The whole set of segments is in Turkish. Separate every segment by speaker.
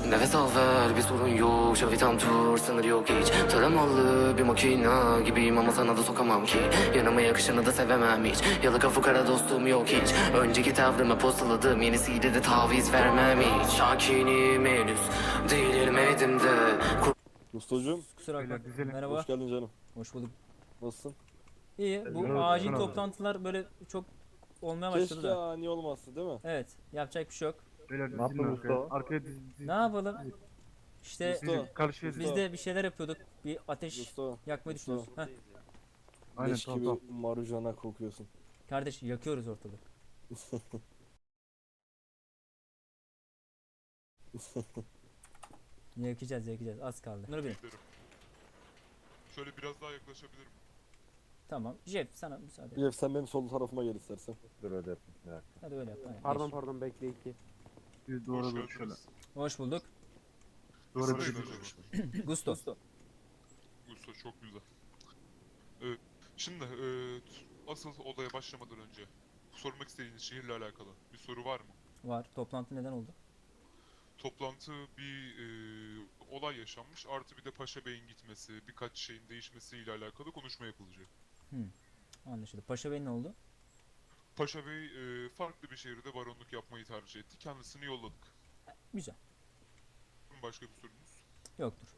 Speaker 1: Nefes al ver, bir sorun yok. Şavi tam tur, sınır yok hiç. Taramalı bir makina gibiyim ama sana da sokamam ki. Yanıma yakışanı da sevemem hiç. Yalaka fukara dostum yok hiç. Önceki tavrımı postaladım, yenisiyle de taviz vermem hiç. Sakinim henüz, değilim edimde.
Speaker 2: Ustacığım,
Speaker 3: Kusura bakma.
Speaker 4: Beyler dizelim.
Speaker 3: Merhaba.
Speaker 2: hoş geldin canım.
Speaker 3: Hoş bulduk.
Speaker 2: Nasılsın?
Speaker 3: İyi. Bu
Speaker 4: Merhaba,
Speaker 3: acil
Speaker 4: merhaba.
Speaker 3: toplantılar böyle çok olmaya başladı
Speaker 2: Keşke
Speaker 3: da.
Speaker 2: ani olmazsa değil mi?
Speaker 3: Evet. Yapacak bir şey yok.
Speaker 4: Beyler
Speaker 5: Ne yaptın usta?
Speaker 4: Arkaya
Speaker 3: Ne yapalım? İşte
Speaker 2: Usta.
Speaker 4: Karşıya
Speaker 2: Usta.
Speaker 3: biz de bir şeyler yapıyorduk. Bir ateş
Speaker 2: Usta,
Speaker 3: yakmayı
Speaker 2: usta.
Speaker 3: düşünüyoruz. Heh.
Speaker 4: Aynen,
Speaker 2: leş
Speaker 4: tamam,
Speaker 2: gibi
Speaker 4: tamam.
Speaker 2: marujana kokuyorsun.
Speaker 3: Kardeş yakıyoruz ortalığı. Yakacağız. Az kaldı. Nur Bey.
Speaker 6: Şöyle biraz daha yaklaşabilirim.
Speaker 3: Tamam. Jeff sana müsaade.
Speaker 2: Jeff sen benim sol tarafıma gel istersen.
Speaker 5: Dur öyle yapayım. Bir dakika.
Speaker 3: Hadi öyle yap. Aynen.
Speaker 7: Pardon
Speaker 3: Geç.
Speaker 7: pardon bekle iki.
Speaker 4: Bir
Speaker 6: Hoş
Speaker 4: doğru doğru şöyle.
Speaker 6: geldiniz.
Speaker 3: Hoş bulduk.
Speaker 4: Doğru
Speaker 6: İsim
Speaker 4: bir
Speaker 6: neydi acaba?
Speaker 3: Gusto.
Speaker 6: Usta çok güzel. Şimdi asıl olaya başlamadan önce sormak istediğiniz şehirle alakalı bir soru var mı?
Speaker 3: Var. Toplantı neden oldu?
Speaker 6: Toplantı bir olay yaşanmış artı bir de Paşa Bey'in gitmesi, birkaç şeyin değişmesiyle alakalı konuşma yapılacak.
Speaker 3: Anlaşıldı. Paşa Bey ne oldu?
Speaker 6: Paşa Bey farklı bir şehirde baronluk yapmayı tercih etti. Kendisini yolladık.
Speaker 3: Güzel.
Speaker 6: Başka bir sorunuz?
Speaker 3: Yoktur.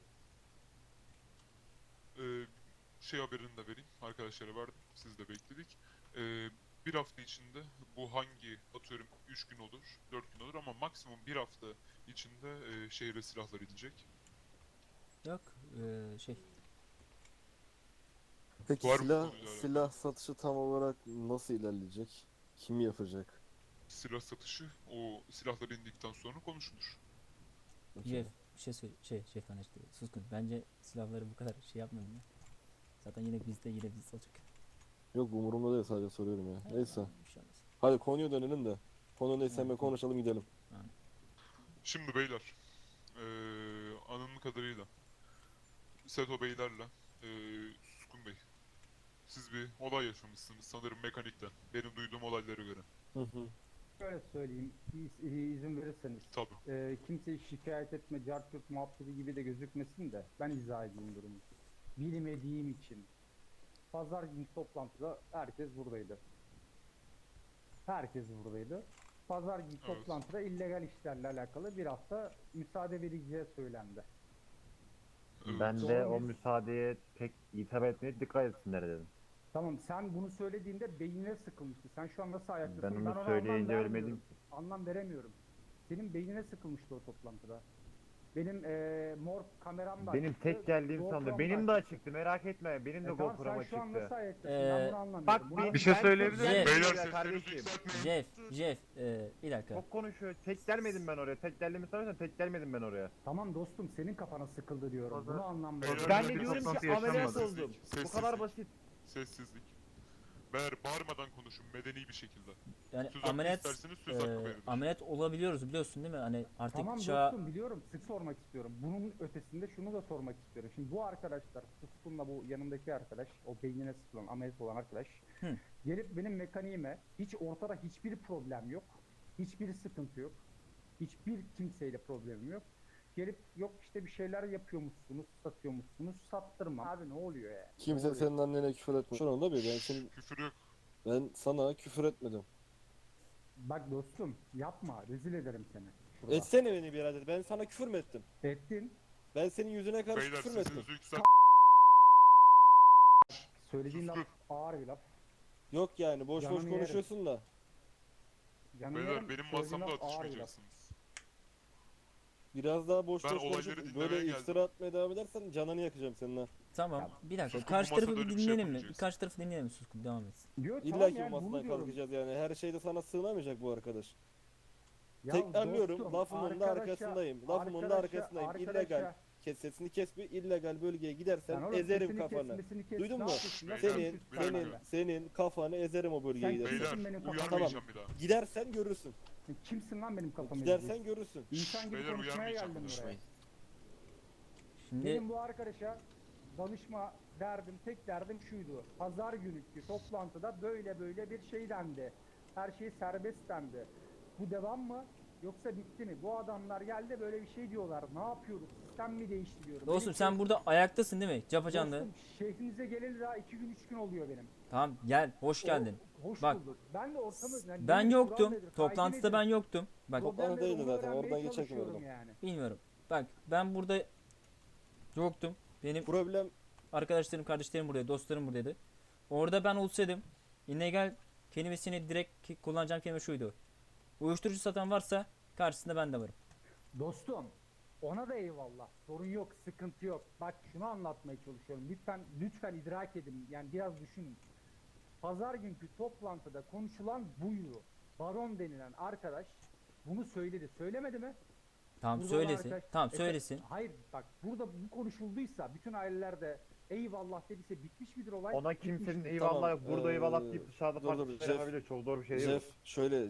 Speaker 6: Şey haberini de vereyim. Arkadaşlara verdim. Siz de bekledik. Bir hafta içinde bu hangi atıyorum 3 gün olur, 4 gün olur ama maksimum bir hafta içinde şehre silahlar inecek.
Speaker 3: Yok. Şey.
Speaker 2: Peki
Speaker 6: Var mı
Speaker 2: silah,
Speaker 6: konuyla alakalı?
Speaker 2: silah satışı tam olarak nasıl ilerleyecek? Kim yapacak?
Speaker 6: Silah satışı o silahlar indikten sonra konuşulur.
Speaker 3: Jeff. Bir şey söyle. Jeff hani işte. Suskun. Bence silahları bu kadar şey yapmayalım ya. Zaten yine bizde olacak.
Speaker 2: Yok umurumda değil, sadece soruyorum ya. Neyse.
Speaker 3: Bir şey olmaz.
Speaker 2: Hadi konuya dönelim de. Konu neyse hemen konuşalım gidelim.
Speaker 6: Şimdi beyler, anladığım kadarıyla Seto beylerle Suskun Bey, siz bir olay yaşamışsınız sanırım mekanikten. Benim duyduğum olaylara göre.
Speaker 2: Hı hı.
Speaker 7: Şöyle söyleyeyim izin verirseniz.
Speaker 6: Tabii.
Speaker 7: Kimseyi şikayet etme, cartçurt muhabbeti gibi de gözükmesin de ben izah edeyim durumu. Bilmediğim için. Pazar günü toplantıda herkes buradaydı. Herkes buradaydı. Pazar günü
Speaker 6: Evet.
Speaker 7: toplantıda illegal işlerle alakalı bir hafta müsaade verileceği söylendi.
Speaker 6: Evet.
Speaker 5: Ben de
Speaker 7: Doğru
Speaker 5: o
Speaker 7: bir-
Speaker 5: müsaadeye pek itibar etmeye dikkat etsinler dedim.
Speaker 7: Tamam sen bunu söylediğinde beynine sıkılmıştı. Sen şu an nasıl ayaktasın?
Speaker 5: Ben onu
Speaker 7: ona
Speaker 5: söyleyince
Speaker 7: anlam
Speaker 5: ölmedim
Speaker 7: vermiyorum.
Speaker 5: ki.
Speaker 7: Anlam veremiyorum. Senin beynine sıkılmıştı o toplantıda. Benim mor kameram da
Speaker 5: Benim
Speaker 7: açıktı,
Speaker 5: tek geldiğim
Speaker 7: GoPro'm
Speaker 5: sandı.
Speaker 7: da
Speaker 5: Benim de
Speaker 7: açıktı.
Speaker 5: açıktı, merak etme. Benim de
Speaker 7: Tamam,
Speaker 5: GoPro'm
Speaker 7: sen şu an
Speaker 5: açıktı.
Speaker 7: nasıl ayaktasın? Ben bunu anlamıyorum.
Speaker 5: Bak
Speaker 7: Bunu-
Speaker 4: bir şey
Speaker 5: ben
Speaker 4: söyleyebilir
Speaker 5: çok
Speaker 3: miyim?
Speaker 6: Beyler
Speaker 5: gelmedim
Speaker 6: seslerinizi
Speaker 5: kardeşim.
Speaker 6: yükseltmeyin.
Speaker 3: Jeff. Bir dakika.
Speaker 5: Çok konuşuyor. Tek gelmedim ben oraya. Tek geldiğimi sanıyorsan tek gelmedim ben oraya.
Speaker 7: Tamam dostum senin kafana sıkıldı diyorum.
Speaker 4: Pazar-
Speaker 7: Bunu anlam
Speaker 6: Beyler,
Speaker 7: veriyorum.
Speaker 5: Ben de
Speaker 6: bir
Speaker 5: diyorum
Speaker 4: toplantı
Speaker 5: ki ameliyat
Speaker 4: yaşanmadı.
Speaker 5: oldum. Bu
Speaker 6: Sessizlik.
Speaker 5: kadar basit.
Speaker 6: Sessizlik. Beyler bağırmadan konuşun medeni bir şekilde.
Speaker 3: Yani
Speaker 6: Söz hakkı
Speaker 3: ameliyat
Speaker 6: isterseniz söz hakkı verilir.
Speaker 3: ameliyat olabiliyoruz biliyorsun değil mi? Hani artık
Speaker 7: Tamam
Speaker 3: çağ
Speaker 7: dostum biliyorum. Sık sormak istiyorum. Bunun ötesinde şunu da sormak istiyorum. Şimdi bu arkadaşlar, Suskun'la bu yanındaki arkadaş, o beynine sıkılan, ameliyat olan arkadaş,
Speaker 3: Hı.
Speaker 7: gelip benim mekaniğime hiç ortada hiçbir problem yok. Hiçbir sıkıntı yok. Hiçbir kimseyle problemim yok. Gelip yok işte bir şeyler yapıyormuşsunuz, satıyormuşsunuz, sattırma. Abi ne oluyor ya?
Speaker 2: Kimse senin annene küfür etmiyor. Şu anda bir
Speaker 6: Küfür yok.
Speaker 2: ben sana küfür etmedim.
Speaker 7: Bak dostum yapma, rezil ederim seni. Şurada.
Speaker 2: Etsene beni birader. Ben sana küfür mü ettim?
Speaker 7: Ettin.
Speaker 2: Ben senin yüzüne karşı
Speaker 6: Beyler
Speaker 2: küfür mü ettim?
Speaker 6: sesinizi yükselt.
Speaker 7: Söylediğin laf
Speaker 6: Sustur.
Speaker 7: ağır bir laf.
Speaker 2: Yok yani boş boş
Speaker 7: Yanını yerim.
Speaker 2: konuşuyorsun da.
Speaker 7: Yanı
Speaker 6: Beyler
Speaker 7: yerim,
Speaker 6: benim
Speaker 7: söylediğin
Speaker 6: masamda
Speaker 7: laf ağır bir laf.
Speaker 6: atışmayacaksınız.
Speaker 2: Biraz daha boş
Speaker 6: Ben
Speaker 2: boş
Speaker 6: olayları
Speaker 2: konuşup
Speaker 6: dinlemeye
Speaker 2: böyle
Speaker 6: geldim.
Speaker 2: iftira atmaya devam edersen canını yakacağım senin ha.
Speaker 3: tamam.
Speaker 7: Tamam.
Speaker 3: Bir dakika.
Speaker 6: Suskun,
Speaker 3: Karşı
Speaker 6: bu
Speaker 3: tarafı
Speaker 6: masada
Speaker 3: bir
Speaker 6: öyle bir şey
Speaker 3: dinleyelim mi? Bir
Speaker 6: yapamayacağız.
Speaker 3: karşı tarafı dinleyelim mi Suskun? Devam et.
Speaker 7: Diyor,
Speaker 2: İlla
Speaker 7: tamam
Speaker 2: ki
Speaker 7: yani
Speaker 2: bu
Speaker 7: bunu
Speaker 2: masadan
Speaker 7: diyorum.
Speaker 2: kalkacağız yani. Her şeyde sana sığınamayacak bu arkadaş.
Speaker 7: Ya
Speaker 2: Tekrarlıyorum.
Speaker 7: dostum,
Speaker 2: Lafımın da
Speaker 7: arkadaşa-
Speaker 2: arkasındayım. Lafımın da
Speaker 7: arkadaşa-
Speaker 2: arkasındayım.
Speaker 7: arkadaşa-
Speaker 2: İllegal. Kes sesini kes bir. İllegal bölgeye
Speaker 7: Sen
Speaker 2: gidersen
Speaker 7: oğlum
Speaker 2: ezerim
Speaker 7: sesini
Speaker 2: kafanı.
Speaker 7: kesmesini kes,
Speaker 2: Duydun
Speaker 7: ne
Speaker 2: mu?
Speaker 7: yapıyorsun lan?
Speaker 6: Beyler,
Speaker 2: Senin,
Speaker 7: Sen
Speaker 2: senin,
Speaker 7: kimsin?
Speaker 2: senin kafanı ezerim o bölgeye
Speaker 7: Sen
Speaker 2: gidersen.
Speaker 7: kimsin?
Speaker 6: Beyler
Speaker 7: benim kafam-
Speaker 6: uyarmayacağım bir daha.
Speaker 2: Gidersen görürsün.
Speaker 7: Sen kimsin lan benim kafamı
Speaker 2: Gidersen
Speaker 7: ezeceksin?
Speaker 2: görürsün.
Speaker 7: İnsan gibi
Speaker 6: Beyler,
Speaker 7: konuşmaya
Speaker 6: uyarmayacağım,
Speaker 7: geldim buraya.
Speaker 6: konuşmayın.
Speaker 3: Şimdi
Speaker 7: Benim bu arkadaşa danışma derdim, tek derdim şuydu. Pazar günüki toplantıda böyle böyle bir şey dendi. Her şey serbest dendi. Bu devam mı? Yoksa bitti mi? Bu adamlar geldi böyle bir şey diyorlar. Ne yapıyoruz? Sistem mi değiştiriyoruz?
Speaker 3: Dostum
Speaker 7: Benim
Speaker 3: sen burada ayaktasın değil mi? Capacanlı.
Speaker 7: Dostum şehrinize geleli daha 2 gün 3 gün oluyor benim.
Speaker 3: Tamam gel, hoş geldin.
Speaker 7: Hoş
Speaker 3: Bak,
Speaker 7: bulduk. Ben de ortamı... Yani
Speaker 3: Ben
Speaker 7: nedir,
Speaker 3: yoktum.
Speaker 7: kural nedir,
Speaker 3: Toplantıda
Speaker 7: kaide
Speaker 3: ben
Speaker 7: nedir?
Speaker 3: yoktum. Bak
Speaker 7: Problemleri
Speaker 2: Toplantı
Speaker 7: onu
Speaker 2: zaten,
Speaker 7: öğrenmeye
Speaker 2: oradan geçerken
Speaker 7: çalışıyorum
Speaker 2: oradan.
Speaker 7: yani.
Speaker 3: bilmiyorum. Bak ben burada yoktum. Benim
Speaker 2: Problem
Speaker 3: arkadaşlarım, kardeşlerim buradaydı, dostlarım buradaydı. Orada ben olsaydım illegal kelimesini direkt kullanacağım kelime şuydu. Uyuşturucu satan varsa karşısında ben de varım.
Speaker 7: Dostum ona da eyvallah. Sorun yok, sıkıntı yok. Bak şunu anlatmaya çalışıyorum. Lütfen idrak edin. Yani biraz düşünün. Pazar günkü toplantıda konuşulan buydu. Baron denilen arkadaş bunu söyledi. Söylemedi mi?
Speaker 3: Tamam
Speaker 7: Burada olan
Speaker 3: söylesin.
Speaker 7: arkadaş-
Speaker 3: Tamam
Speaker 7: E,
Speaker 3: söylesin.
Speaker 7: Hayır bak burada bu konuşulduysa bütün aileler de eyvallah dediyse bitmiş midir olay?
Speaker 5: Ona
Speaker 7: Bitmiştir.
Speaker 5: kimsenin eyvallah yok. Burada eyvallah deyip dışarıda
Speaker 2: dur,
Speaker 5: farklı
Speaker 2: dur,
Speaker 5: şeyler
Speaker 2: Jeff-
Speaker 5: yapabilir. Çok doğru bir şey değil bu.
Speaker 2: Jeff şöyle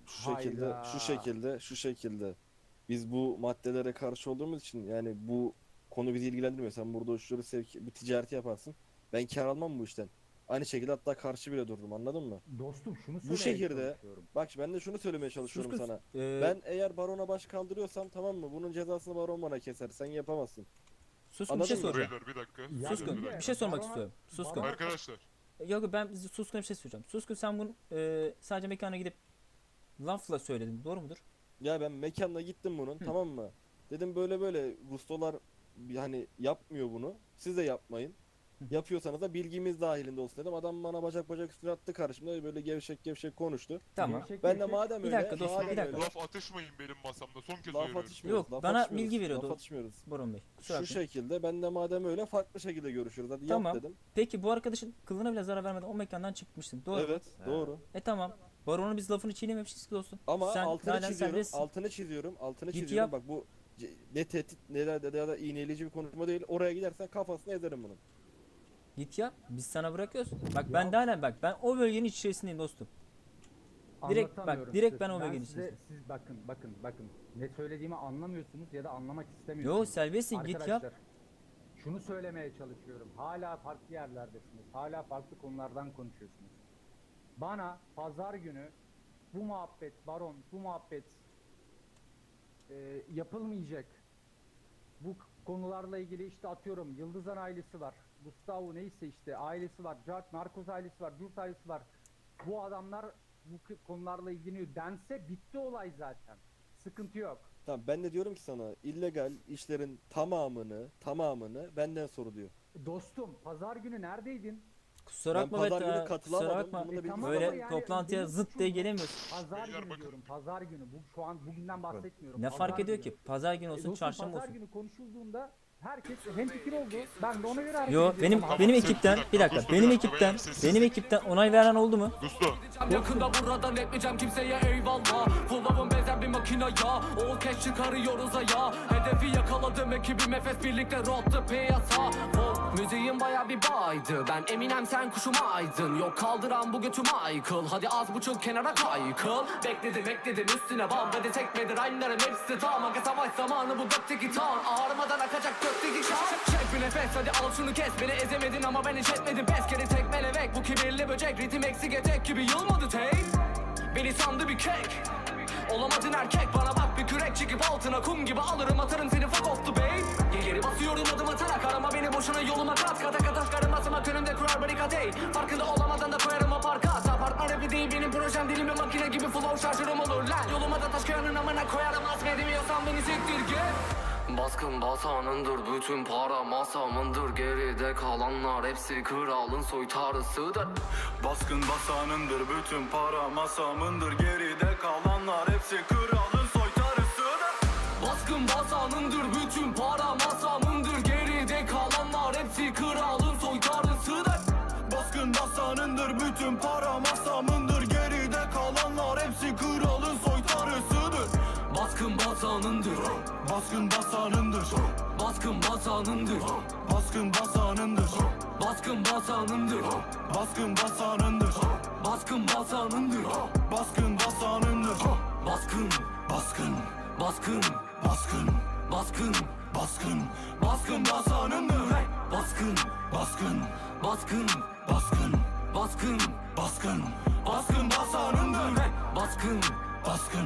Speaker 7: Hayda.
Speaker 2: şu şekilde biz bu maddelere karşı olduğumuz için yani bu konu bizi ilgilendirmiyor. Sen burada uçları bir ticareti yaparsın. Ben kar almam bu işten. Aynı şekilde hatta karşı bile dururum, anladın mı?
Speaker 7: Dostum şunu
Speaker 2: Bu
Speaker 7: söylemeye
Speaker 2: şehirde
Speaker 7: çalışıyorum.
Speaker 2: bak ben de şunu söylemeye çalışıyorum
Speaker 3: kız.
Speaker 2: sana.
Speaker 3: Ee,
Speaker 2: Ben eğer barona baş kaldırıyorsam tamam mı? Bunun cezasını baron bana keser. Sen yapamazsın.
Speaker 3: Suskun bir şey
Speaker 2: Anladın mı?
Speaker 3: soracağım.
Speaker 6: Beyler bir dakika.
Speaker 7: Ya
Speaker 6: beyler,
Speaker 3: Suskun
Speaker 6: bir dakika.
Speaker 3: bir şey sormak
Speaker 7: Barona-
Speaker 3: istiyorum. Suskun.
Speaker 7: Barona-
Speaker 6: Arkadaşlar
Speaker 3: Yok ben Suskun'a bir şey soracağım. Suskun sen bunu sadece mekana gidip lafla söyledin. Doğru mudur?
Speaker 2: Ya ben mekanına gittim bunun, tamam mı? Dedim böyle böyle gustolar hani yapmıyor bunu. Siz de yapmayın. Yapıyorsanız da bilgimiz dahilinde olsun dedim. Adam bana bacak üstüne attı karşımda, böyle gevşek konuştu.
Speaker 3: Tamam.
Speaker 7: Gevşek
Speaker 2: Ben de
Speaker 7: gevşek-
Speaker 2: madem
Speaker 3: Bir
Speaker 2: öyle,
Speaker 3: dakika dostum,
Speaker 2: madem
Speaker 3: bir dakika.
Speaker 2: öyle,
Speaker 6: laf atışmayın benim masamda. Son kez
Speaker 2: laf
Speaker 6: uyarıyorum.
Speaker 2: atışmıyoruz.
Speaker 3: Yok,
Speaker 2: laf
Speaker 3: bana
Speaker 2: atışmıyoruz,
Speaker 3: bilgi veriyordu.
Speaker 2: Laf atışmıyoruz.
Speaker 3: Boron Bey. Kusura
Speaker 2: Şu
Speaker 3: bakmayın.
Speaker 2: şekilde ben de madem öyle farklı şekilde görüşürüz. Hadi
Speaker 3: Tamam.
Speaker 2: yap dedim.
Speaker 3: Peki bu arkadaşın kılına bile zarar vermeden o mekandan çıkmışsın. Doğru mu?
Speaker 2: Evet, doğru.
Speaker 3: Tamam. Baron'un biz lafını çiğnememişiz ki dostum.
Speaker 2: Ama
Speaker 3: Sen
Speaker 2: altını
Speaker 3: halen
Speaker 2: çiziyorum,
Speaker 3: serbestsin.
Speaker 2: altını
Speaker 3: Git
Speaker 2: çiziyorum.
Speaker 3: yap.
Speaker 2: Bak bu ne tehdit ne de ya da iğneleyici bir konuşma değil. Oraya gidersen kafasını ezerim bunun.
Speaker 3: Git yap. Biz sana bırakıyoruz. Bak ben de halen bak ben o bölgenin içerisindeyim dostum. Direkt bak,
Speaker 7: Anlatamıyorum
Speaker 3: direkt
Speaker 7: size.
Speaker 3: ben o bölgenin
Speaker 7: size,
Speaker 3: içerisindeyim.
Speaker 7: siz bakın. Ne söylediğimi anlamıyorsunuz ya da anlamak istemiyorsunuz.
Speaker 3: Yo serbestsin git yap.
Speaker 7: Arkadaşlar, şunu söylemeye çalışıyorum. Hala farklı yerlerdesiniz. Hala farklı konulardan konuşuyorsunuz. Bana pazar günü bu muhabbet, baron, bu muhabbet yapılmayacak. Bu konularla ilgili işte atıyorum Yıldızan ailesi var. Gustavo neyse işte ailesi var. Narkoz ailesi var. Durt ailesi var. Bu adamlar bu konularla ilgileniyor dense bitti olay zaten. Sıkıntı yok.
Speaker 2: Tamam ben de diyorum ki sana illegal işlerin tamamını benden soruluyor.
Speaker 7: Dostum pazar günü neredeydin?
Speaker 3: Kusura
Speaker 2: Ben
Speaker 3: bakma
Speaker 2: pazar
Speaker 3: Beta,
Speaker 2: günü katılamadım,
Speaker 3: kusura bakma.
Speaker 2: bunu da
Speaker 7: tamam
Speaker 3: Böyle
Speaker 7: ama yani
Speaker 3: toplantıya
Speaker 7: benim
Speaker 3: zıt
Speaker 7: suçum
Speaker 3: diye
Speaker 7: bu.
Speaker 3: gelemiyorsun.
Speaker 7: Pazar
Speaker 6: Beyler
Speaker 7: günü
Speaker 6: bakın.
Speaker 7: diyorum. Pazar günü. Şu an bugünden bahsetmiyorum.
Speaker 3: Ne
Speaker 7: Pazar
Speaker 3: fark ediyor
Speaker 7: günü.
Speaker 3: ki? Pazar günü olsun,
Speaker 7: Dostum,
Speaker 3: çarşamba
Speaker 7: pazar
Speaker 3: olsun.
Speaker 7: günü konuşulduğunda herkes hemfikir oldu. Ben de ona göre hareket
Speaker 3: Yo
Speaker 7: ediyorum.
Speaker 3: benim
Speaker 7: Ama-
Speaker 3: benim
Speaker 6: Tamam,
Speaker 3: ekipten
Speaker 6: sen-
Speaker 3: bir dakika
Speaker 6: Dostum,
Speaker 3: benim
Speaker 6: bir dakika,
Speaker 3: ekipten
Speaker 6: beyler, sessiz.
Speaker 3: benim ekipten onay veren oldu mu?
Speaker 6: Gusto.
Speaker 1: Yakında buradan etmeyeceğim kimseye eyvallah. Fullabım benzer bir makina ya. O cash çıkarıyoruz aya. Hedefi yakaladım ekibim Efes birlikte rottı piyasa. Müziğin baya bir baydı. Ben Eminem sen kuşum aydın. Yok kaldıran bu götüm aykıl. Hadi az buçuk kenara kaykıl. Bekledim üstüne bam. Hadi tekmedir aynılarım hepsi tam. Aga savaş zamanı bu gökteki tan. Ağrımadan akacak gökteki kan. Çek bir nefes hadi al şunu kes. Beni ezemedin ama ben hiç etmedim. Pes kere tekmelevek. Bu kibirli böcek ritim eksik etek gibi yılmadı tek. Beni sandı bir kek. Olamadın erkek bana bak bir kürek çekip altına kum gibi alırım atarım seni fuck off the babe. Geri basıyorum adım atarak arama beni boşuna yoluma kat kata kata çıkarım asımak önümde kurar barikat ey. Farkında olamadan da koyarım o parka. Apartman rapi değil benim projem dilimi makine gibi flow şarjörüm olur lan. Yoluma da taş koyanın amına koyarım azmedemiyorsan beni siktir git. Baskın basanındır bütün para masamındır. Geride kalanlar hepsi kralın soytarısıdır.
Speaker 8: Baskın basanındır bütün para masamındır. Geride kalanlar hepsi kralın soytarısıdır.
Speaker 1: Baskın basanındır bütün para masamındır. Geride kalanlar hepsi kralın soytarısıdır.
Speaker 8: Baskın basanındır bütün para masamındır. Geride kalanlar hepsi kralın soytarısıdır.
Speaker 1: Baskın basanındır.
Speaker 8: Baskın basanındır.
Speaker 1: Baskın basanındır.
Speaker 8: Baskın basanındır.
Speaker 1: Baskın basanındır.
Speaker 8: Baskın basanındır.
Speaker 1: Baskın basanındır.
Speaker 8: Baskın basanındır.
Speaker 1: Baskın
Speaker 8: Baskın
Speaker 1: baskın
Speaker 8: baskın
Speaker 1: baskın
Speaker 8: baskın
Speaker 1: baskın basanındır. Baskın
Speaker 8: baskın
Speaker 1: baskın
Speaker 8: baskın
Speaker 1: baskın
Speaker 8: baskın
Speaker 1: baskın basanındır. Baskın
Speaker 8: baskın
Speaker 1: baskın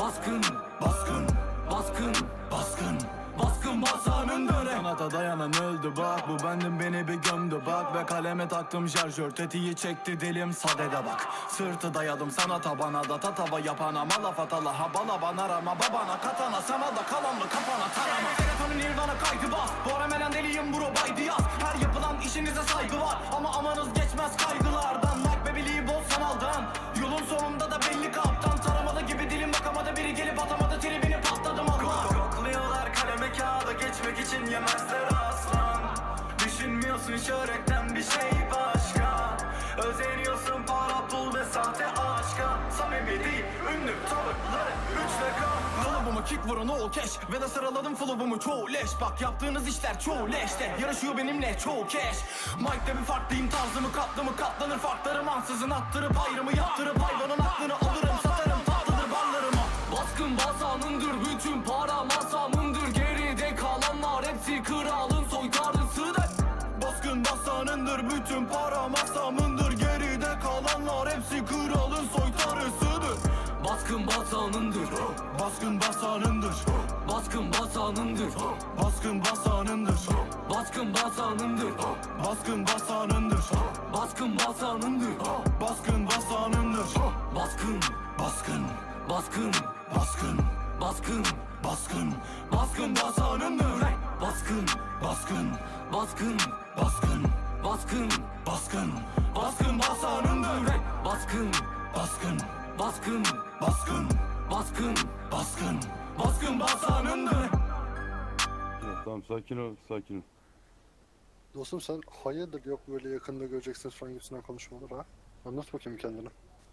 Speaker 8: Baskın, baskın, baskın, baskın, baskın basanın döne. Kanata dayanan öldü bak, bu bendim beni bir gömdü bak. Ve kaleme taktım şarjör, tetiği çekti dilim sadede bak. Sırtı dayadım sana tabana da tatava yapana. Malaf atala ha bala bana rama babana katana. Sana da kalan mı kafana tarama. Serotonin nirvana kaydı bas, bu ara melen deliyim bro baydı yaz. Her yapılan işinize saygı var ama amanız geçmez kaygılardan. Bak bebiliği bol sanaldan, yolun sonunda da belli kaptan. Taramalı gibi dilim bakamadı, biri gelip atamadı tribini patladım Allah. Kokluyorlar kaleme kağıda, geçmek için yemezler aslan. Düşünmüyorsun şöhretten bir şey başka. Özeniyorsun para pul ve sahte aşka. Samimi değil ünlü tavırları 3 rakam. Flow'umu kick vurun o keş ve de sıraladım flow'umu çoğu leş. Bak yaptığınız işler çoğu leşte, yarışıyor benimle çoğu keş. Mike'de bir farklıyım, tarzımı katlamı katlanır farklarım. Ansızın attırıp ayrımı yaptırıp hayvanın aklını alırım. Satarım tatlıdır ballarıma. Baskın basanındır, bütün para masamındır. Geride kalanlar hepsi kralın soytarısıdır. Baskın basanındır, bütün para masamındır. Geride kalanlar hepsi kralın soytarısıdır. Baskın basanındır, baskın basanındır, baskın basanındır, baskın basanındır, baskın basanındır, baskın basanındır, baskın basanındır, baskın basanındır, baskın, baskın, baskın, baskın, baskın, baskın, baskın basanındır, baskın, baskın, baskın, baskın, baskın, baskın, baskın basanındır, baskın, baskın, baskın, baskın, baskın, baskın, baskın basanındır.
Speaker 4: Tamam sakin ol, sakin ol.
Speaker 9: Dostum sen hayırdır yok böyle yakında göreceksiniz falan gibisinden konuşmalar ha? Anlat bakayım kendini.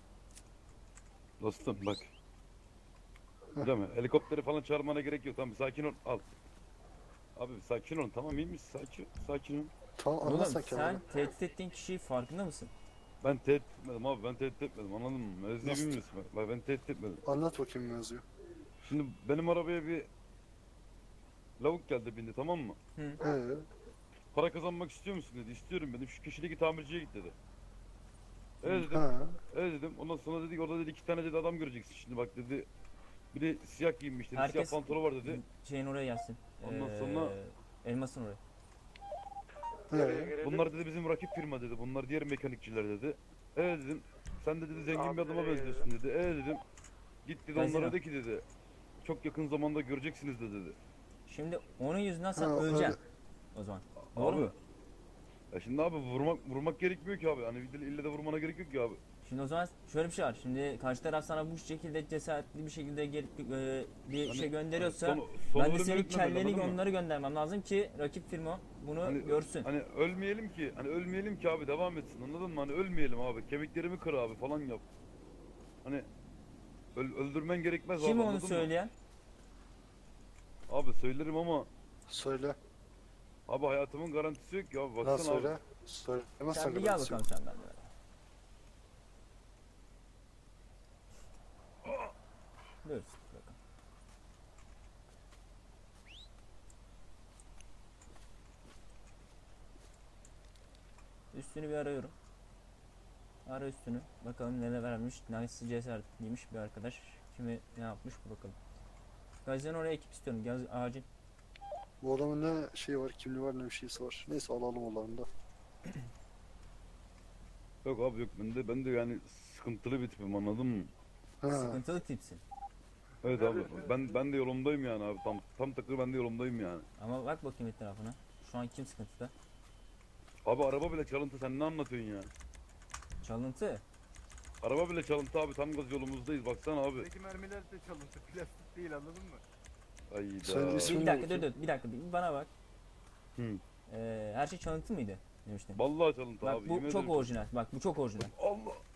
Speaker 4: Dostum bak. Değil mi? Helikopteri falan çağırmana gerek yok. Tamam sakin ol. Al. Abi sakin ol. Tamam iyi misin? Sakin ol.
Speaker 9: Tamam
Speaker 3: Oğlum
Speaker 9: anlat sen kendini.
Speaker 3: sen tehdit ettiğin kişiyi farkında mısın?
Speaker 4: Ben tehdit etmedim abi. Ben tehdit etmedim. Anladın mı? Mevzuyu
Speaker 9: Nasıl?
Speaker 4: bilmiyorsun. Bak ben tehdit etmedim.
Speaker 9: Anlat bakayım mevzuyu.
Speaker 4: Şimdi benim arabaya bir lavuk geldi bindi, tamam mı? Para kazanmak istiyor musun dedi. İstiyorum dedim. Şu köşedeki tamirciye git dedi. Evet dedim.
Speaker 9: Ha.
Speaker 4: Evet dedim. Ondan sonra dedik orada dedi 2 tane dedi adam göreceksin şimdi bak dedi. Biri siyah giyinmiş dedi.
Speaker 3: Herkes
Speaker 4: Siyah pantolonu var dedi.
Speaker 3: şeyin oraya gelsin.
Speaker 4: Ondan sonra-
Speaker 3: Elmasın oraya.
Speaker 4: Bunlar dedi bizim rakip firma dedi. Bunlar diğer mekanikçiler dedi. Evet dedim. Sen de dedi zengin bir adama benziyorsun dedi. Evet dedim. Git dedi
Speaker 3: Gazino.
Speaker 4: onlara de ki dedi. Çok yakın zamanda göreceksiniz de dedi.
Speaker 3: Şimdi onun yüzünden sen
Speaker 9: Ha,
Speaker 3: öleceksin.
Speaker 9: öyle.
Speaker 3: O zaman. Doğru
Speaker 4: Abi,
Speaker 3: mu?
Speaker 4: Ya şimdi abi vurmak gerekmiyor ki abi. Hani ille de vurmana gerek yok ki abi.
Speaker 3: Şimdi o zaman şöyle bir şey var. Şimdi karşı taraf sana bu şekilde cesaretli bir şekilde gelip bir
Speaker 4: Hani-
Speaker 3: şey gönderiyorsa
Speaker 4: hani
Speaker 3: ben de
Speaker 4: ölümü
Speaker 3: senin
Speaker 4: etmeden,
Speaker 3: kelleni
Speaker 4: anladın mı?
Speaker 3: onları göndermem lazım ki rakip firma bunu
Speaker 4: Hani-
Speaker 3: görsün.
Speaker 4: Hani ölmeyelim ki abi devam etsin anladın mı? Hani ölmeyelim abi. Kemiklerimi kır abi falan yap. Hani öldürmen gerekmez
Speaker 3: Kim
Speaker 4: abi.
Speaker 3: onu
Speaker 4: anladın mı?
Speaker 3: söyleyen?
Speaker 4: Abi söylerim ama
Speaker 9: Söyle.
Speaker 4: abi hayatımın garantisi yok ya abi
Speaker 9: Lan
Speaker 4: baksana abi.
Speaker 9: söyle. Söylemezsen
Speaker 3: Sen bir gel
Speaker 9: garantisi
Speaker 3: bakalım
Speaker 9: yok.
Speaker 3: sen benimle. Buyur. Bakalım. Üstünü bir arıyorum. Ara üstünü. Bakalım neler vermiş. Nasıl cesaretliymiş bir arkadaş. Kimi ne yapmış bir bakalım. Gazi'den oraya ekip istiyorum. Acil.
Speaker 9: Bu adamın ne şeyi var, kimliği var, ne bir şeysi var. Neyse alalım onların da.
Speaker 4: Yok abi yok ben de yani sıkıntılı bir tipim anladın mı?
Speaker 9: Ha.
Speaker 3: Sıkıntılı tipsin.
Speaker 4: Evet abi ben de yolumdayım yani abi tam takır ben de yolumdayım yani.
Speaker 3: Ama bak bakayım etrafına. Şu an kim sıkıntıda?
Speaker 4: Abi araba bile çalıntı sen ne anlatıyorsun ya?
Speaker 3: Çalıntı.
Speaker 4: Araba bile çalıntı abi tam gaz yolumuzdayız baksana abi.
Speaker 5: Buradaki mermiler de çalıntı, plastik değil anladın mı?
Speaker 4: Ayda.
Speaker 9: Sen ismin
Speaker 3: Bir
Speaker 9: ne
Speaker 3: dakika
Speaker 9: bakayım?
Speaker 3: dur bir dakika bir bana bak.
Speaker 4: Hı.
Speaker 3: Her şey çalıntı mıydı demiştin.
Speaker 4: Vallahi çalıntı
Speaker 3: Bak
Speaker 4: abi.
Speaker 3: bu
Speaker 4: yemin
Speaker 3: çok
Speaker 4: ederim.
Speaker 3: orijinal. Bak bu çok orijinal.
Speaker 4: Allah